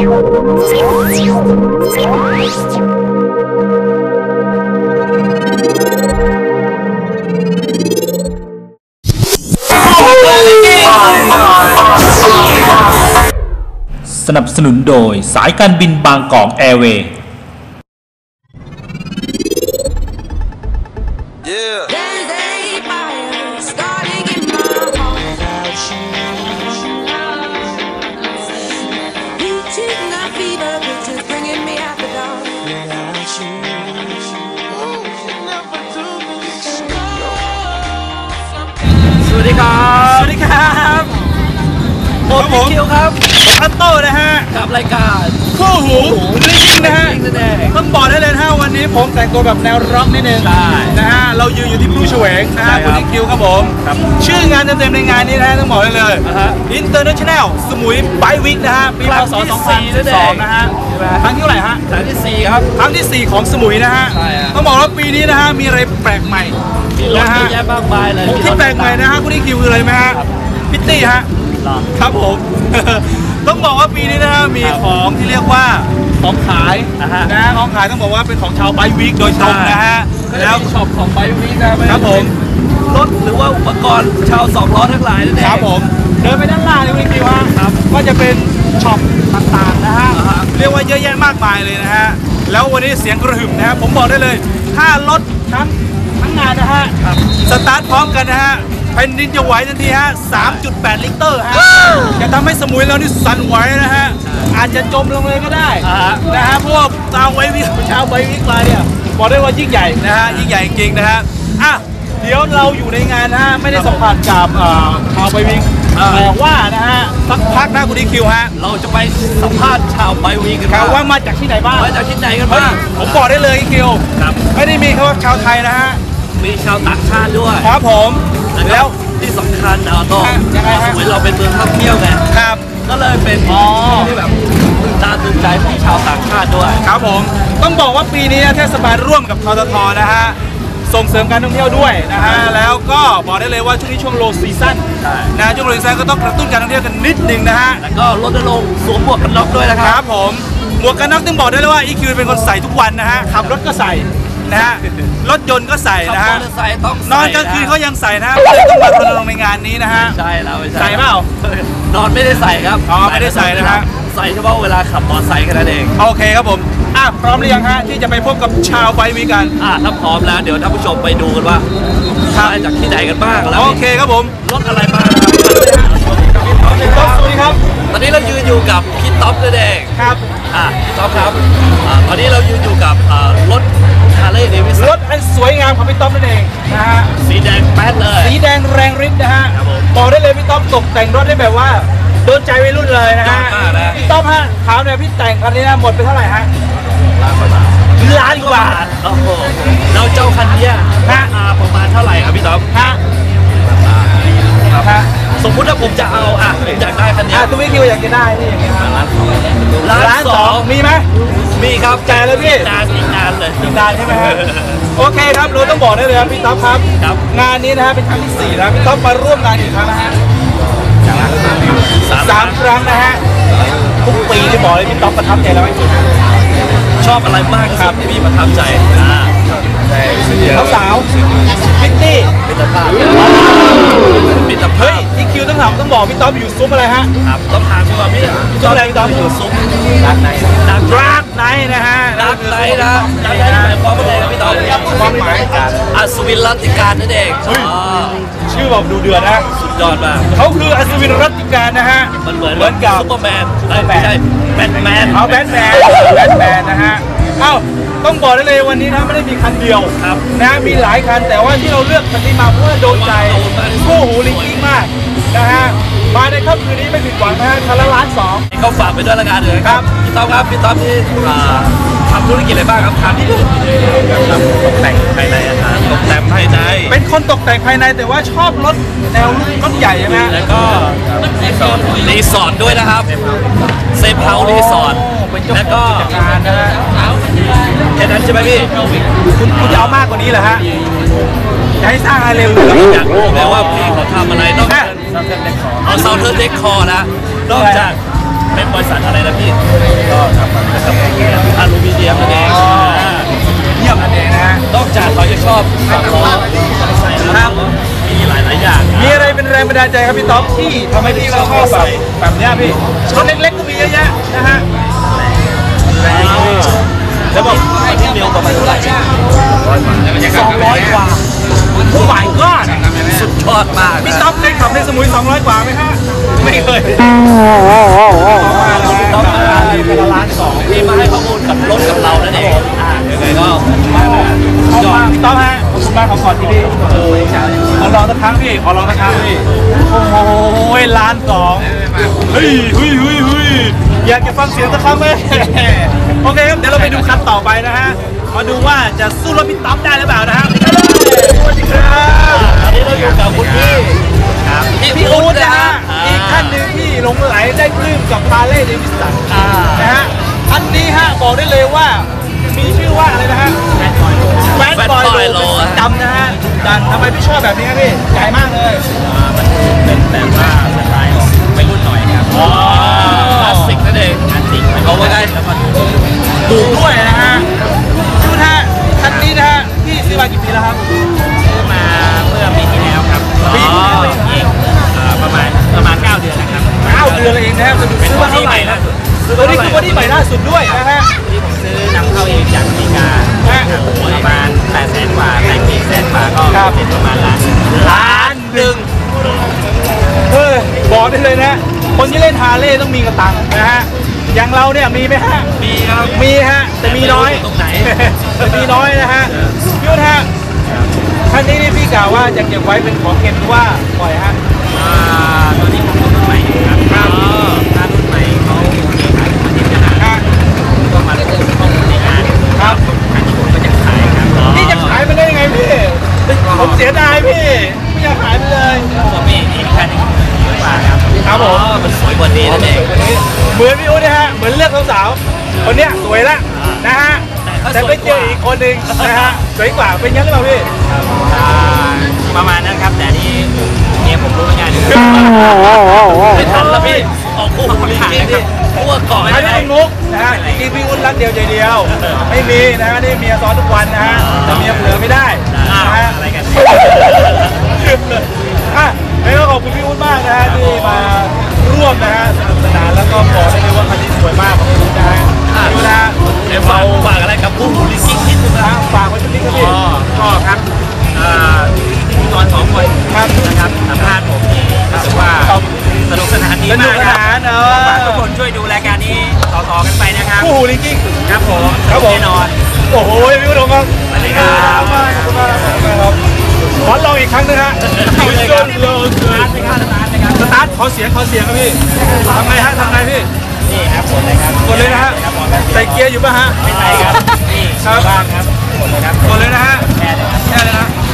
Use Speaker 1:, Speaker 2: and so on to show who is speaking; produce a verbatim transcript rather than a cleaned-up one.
Speaker 1: สนับสนุนโดยสายการบินบางกอกแอร์เวย์
Speaker 2: สวัสดีครับสวัสดีครับผมผมคิวครับผมอัตโต้นะฮะกับรายการคู่หูลิงนะฮะต้องบอกได้เลยนะฮะวันนี้ผมแต่งตัวแบบแนวร็อกนิดนึงนะฮะเรายืนอยู่ที่พลูเฉวงนะฮะคุณคิวครับผมชื่องานเต็มๆในงานนี้นะฮะต้องบอกได้เลย International สมุยไบค์วีคนะฮะปีพ.ศ. สองพันสิบสองนะฮะครั้งที่เท่าไหร่ฮะครั้งที่สี่ครับครั้งที่สี่ของสมุยนะฮะต้องบอกว่าปีนี้นะฮะมีอะไรแปลกใหม่นะฮะเยอะมากมายเลยที่แปลกใหม่นะฮะคุณคิวคืออะไรไหมฮะพิตตี้ฮะครับผม ต้องบอกว่าปีนี้นะฮะมีของที่เรียกว่าของขายนะของขายต้องบอกว่าเป็นของชาวไบค์วีคโดยตรงนะฮะแล้วช็อปของไบค์วีคนะครับผมรถหรือว่าอุปกรณ์ชาวสองล้อทั้งหลายนั่นเองครับผมเดินไปด้านล่างนี่คุณคิวฮะก็จะเป็นช็อปต่างๆนะฮะเรียกว่าเยอะแยะมากมายเลยนะฮะแล้ววันนี้เสียงกระหึ่มนะฮะผมบอกได้เลยถ้ารถทั้งทั้งงานนะฮะสตาร์ทพร้อมกันนะฮะแผ่นดินจะไหวทันทีฮะ สามจุดแปด ลิตรฮะจะทำให้สมุยเรานี่สั่นไหวนะฮะอาจจะจมลงเลยก็ได้นะฮะเพราะว่าชาวไบค์วิกชาวไบค์วิกมาเนี่ยบอกได้ว่ายิ่งใหญ่นะฮะยิ่งใหญ่จริงนะฮะอ่ะเดี๋ยวเราอยู่ในงานนะฮะไม่ได้สัมผัสกับชาวไบค์วิกแต่ว่านะฮะสักพักนะคุณดีคิวฮะเราจะไปสัมภาษณ์ชาวไบค์วิกกันว่ามาจากที่ไหนบ้างมาจากที่ไหนกันบ้างผมบอกได้เลยคิวไม่ได้มีแค่ว่าชาวไทยนะฮะมีชาวต่างชาติด้วยครับผมแล้วที่สำคัญเราต้องเหมือนเราเป็นเมืองท่องเที่ยวไงครับก็เลยเป็นที่แบบตื่นตาตื่นใจของชาวต่างชาติด้วยครับผมต้องบอกว่าปีนี้เทศบาลร่วมกับทททนะฮะส่งเสริมการท่องเที่ยวด้วยนะฮะแล้วก็บอกได้เลยว่าช่วงนี้ช่วงโลซีซั่นนะช่วงโลซีซั่นก็ต้องกระตุ้นการท่องเที่ยวกันนิดนึงนะฮะแล้วก็รณรงค์สวมหมวกกันน็อกด้วยนะครับครับผมหมวกกันน็อกต้องบอกได้เลยว่าอีคิวเป็นคนใส่ทุกวันนะฮะขับรถก็ใส่นะฮะรถยนต์ก็ใส่นะฮะนอนกลางคืนเขายังใส่นะเลยต้องมารณรงค์ในงานนี้นะฮะใช่แล้วใส่เปล่านอนไม่ได้ใส่ครับอ๋อไม่ได้ใส่นะฮะใส่เฉพาะเวลาขับมอเตอร์ไซค์แค่นั้นเองโอเคครับผมอ่ะพร้อมหรือยังฮะที่จะไปพบกับชาวไบค์วีคกันอ่ะถ้าพร้อมแล้วเดี๋ยวท่านผู้ชมไปดูกันว่ามาจากที่ไหนกันบ้างแล้วโอเคครับผมรถอะไรบ้างครับสวัสดีครับตอนนี้เรายืนอยู่กับพี่ต๊อบนั่นเองครับอ่ะพี่ต๊อบครับตอนนี้เรายืนอยู่กับรถฮาร์เลย์เดวิสันรถอันสวยงามของพี่ต๊อบนั่นเองนะฮะสีแดงแป๊ดเลยสีแดงแรงฤทธิ์นะฮะบอกได้เลยพี่ต๊อบตกแต่งรถได้แบบว่าโดนใจวัยรุ่นเลยนะฮะพี่ต๊อบฮะถามเลยพี่แต่งคันนี้นะหมดไปเท่าไหร่ฮะล้านกว่าบาทโอ้โหเราเจ้าคันนี้ฮะประมาณเท่าไหร่ครับพี่ต๊อบฮะฮะสมมุติถ้าผมจะเอาอ่ะอยากได้คันนี้คุณวิคิวอยากจะได้นี่อย่างเงี้ยล้านสองล้านสองมีไหมมีครับจ่ายเลยพี่นานอีกนานเลยอีกนานใช่ไหมฮะโอเคครับเราต้องบอกได้เลยครับพี่ต๊อบครับงานนี้นะฮะเป็นครั้งที่สี่แล้วพี่ต๊อบมาร่วมงานอีกครั้งนะฮะสามครั้งนะฮะทุกปีที่บอกเลยพี่ต๊อบประทับใจแล้วไหมชอบอะไรมากครับที่พี่ประทับใจเขาสาวพิตตี้มิตรภาพมิตรภาพเฮ้ยที่คิวต้องถามต้องบอกพี่ต๊อบอยู่ซุ้มอะไรฮะครับต้องถามพี่ว่าพี่ซุ้มอะไรพี่ต๊อบอยู่ซุ้มดักไนดักดักไนนะฮะดักไนนะดักไนหมายความว่าอะไรครับพี่ต๊อบความหมายอัศวินรัตติการนั่นเองชื่อแบบดูเดือดนะสุดยอดมากเขาคืออัศวินรัตติการนะฮะมันเหมือนเหมือนกับซูเปอร์แมนไม่ใช่แบทแมนเอาแบทแมนแบทแมนนะฮะเอ้าต้องบอกได้เลยวันนี้นะไม่ได้มีคันเดียวนะมีหลายคันแต่ว่าที่เราเลือกคันนี้มาเพราะว่าโดนใจคู่หูลิงกิ้งมากนะฮะมาในค่ำคืนนี้ไม่ผิดหวังนะฮะคันละล้านสองเขาฝากไปด้วยละกันเลยครับพี่ต๊อบครับพี่ต๊อบที่ทำธุรกิจอะไรบ้างครับทำที่ทำตกแต่งภายในอาคารตกแต่งภายในเป็นคนตกแต่งภายในแต่ว่าชอบรถแนวรถใหญ่ใช่ไหมแล้วก็รีสอร์ทด้วยนะครับเซฟเฮาส์รีสอร์ทแล้วก็การนะฮะแค่นั้นใช่ไหมพี่คุณคุณจะเอามากกว่านี้เหรอฮะจะให้สร้างอะไรเร็วอยากรู้แล้วว่าพี่เขาทำอะไรนอกจากเอาเซาเทอร์เด็กคอนะนอกจากเป็นบริษัทอะไรนะพี่ก็ทำมันนะครับอลูมิเนียมนั่นเองเยี่ยมนั่นเองนะฮะนอกจากเขาจะชอบสองล้อครับมีหลายหลายอย่างมีอะไรเป็นแรงบันดาลใจครับพี่ต๊อบที่ทำให้พี่เราชอบแบบแบบนี้พี่รถเล็กๆก็มีเยอะแยะนะฮะแรงแล้วบอกที่เร็วประมาณเท่าไหร่สองร้อยกว่าโอ้ my god สุดยอดมากพี่ต๊อบเคยขับในสมุยสองร้อยกว่าไหมฮะไม่เคยต้องมาเป็นล้านสองที่มาให้ข้อมูลกับรถกับเรานั่นเองยังไงก็ยอดพี่ต๊อบฮะขอบคุณมากขอขอที่พี่ขอลองสักครั้งพี่ขอลองสักครั้งพี่โอ้โหล้านสองเฮ้ยเฮ้ยเฮ้ยเฮ้ยอยากจะฟังเสียงสักครั้งไหมโอเคครับเดี๋ยวเราไปดูคันต่อไปนะฮะมาดูว่าจะสู้รถพี่ต๊อบได้หรือเปล่านะฮะสวัสดีครับตอนนี้เราอยู่กับคุณพี่ครับพี่อู๊ดนะฮะอีกท่านหนึ่งที่หลงไหลได้ปลื้มกับฮาร์เลย์เดวิสันนะฮะอันนี้ฮะบอกได้เลยว่ามีชื่อว่าอะไรนะฮะแบดบอยโลเป็นสีดำนะฮะดันทำไมพี่ชอบแบบนี้ครับพี่ใหญ่มากเลยมันเป็นแบบว่าสไตล์ของวัยรุ่นหน่อยครับคลาสสิกนั่นเองคลาสสิกเขาว่าได้แล้วก็ดูด้วยนะฮะดูนะฮะคันนี้นะฮะพี่ซื้อมากี่ปีแล้วครับซื้อมาเมื่อปีที่แล้วครับปีที่แล้วเองประมาณประมาณเก้าเดือนนะครับเก้าเดือนเองนะฮะซื้อมาเท่าไหร่นะตัวนี้คือวันที่ใหม่ล่าสุดด้วยนะฮะที่ผมซื้อนำเข้าเองจากอเมริกาประมาณแปดแสนกว่าแต่งเองแสนกว่าก็เป็นประมาณล้านล้านหนึ่งเฮ้ยบอกได้เลยนะคนที่เล่นฮาร์เลย์ต้องมีกระตังนะฮะอย่างเราเนี่ยมีไหมฮะมีครับมีฮะแต่มีน้อยตรงไหนแต่มีน้อยนะฮะพี่วุฒิฮะท่านนี้นี่พี่กล่าวว่าจะเก็บไว้เป็นของเก็บหรือว่าปล่อยฮะตอนนี้ผมรุ่นใหม่ครับครับถ้ารุ่นใหม่เขาขายมาที่ตลาดก็มาลงข้อมูลในงานครับอันนี้ผมก็จะขายครับนี่จะขายมันได้ยังไงพี่ผมเสียดายพี่ไม่อยากขายไปเลยผมมีอีกคันนึงเยอะกว่าครับครับผมมันสวยกว่านี้นั่นเองเหมือนพี่อุ๊ดนะฮะเหมือนเลือกสาวๆคนเนี้ยสวยละนะฮะแต่ไปเจออีกคนหนึ่งนะฮะสวยกว่าเป็นยังหรือเปล่าพี่ประมาณนั้นครับแต่นี่เนี่ยผมรู้งานอยู่ไม่ทันแล้วพี่ออกคู่คนถ่ายนะครับคู่ก่อนไม่ได้งุกนะฮะจริงพี่อุ๊ดรักเดียวใจเดียวไม่มีนะฮะนี่เมียซ้อนทุกวันนะฮะแต่เมียเผลอไม่ได้นะฮะอะไรกันอ่ะแล้วก็ขอบคุณพี่อุ๊ดมากนะฮะที่มาร่วมนะฮะสนุกสนานแล้วก็บอกได้เลยว่าคันนี้สวยมากของคุณนะฮะดูนะเดี๋ยวฝากฝากอะไรกับผู้บริสุทธิ์นิดนึงนะฝากไว้ตรงนี้ครับพี่ก็ครับพิธีกรสองคนครับนะครับสัมภาษณ์ผมนี่รู้สึกว่าสนุกสนานดีมากครับฝากทุกคนช่วยดูรายการนี้ต่อๆกันไปนะครับผู้บริสุทธิ์ครับผมครับผมแน่นอนโอ้โหพี่อุ๊ดครับสวัสดีครับขอบคุณมากครับขอลองอีกครั้งนึงฮะเอาเลยครับสตาร์ทนะครับสตาร์ทนะครับสตาร์ทขอเสียงขอเสียงครับพี่ทำไงฮะทำไงพี่นี่ครับกดเลยครับกดเลยนะฮะใส่เกียร์อยู่ป่ะฮะไม่ใส่ครับนี่ครับบ้างครับกดเลยครับกดเลยนะฮะแค่เลยครับแค่เลยนะ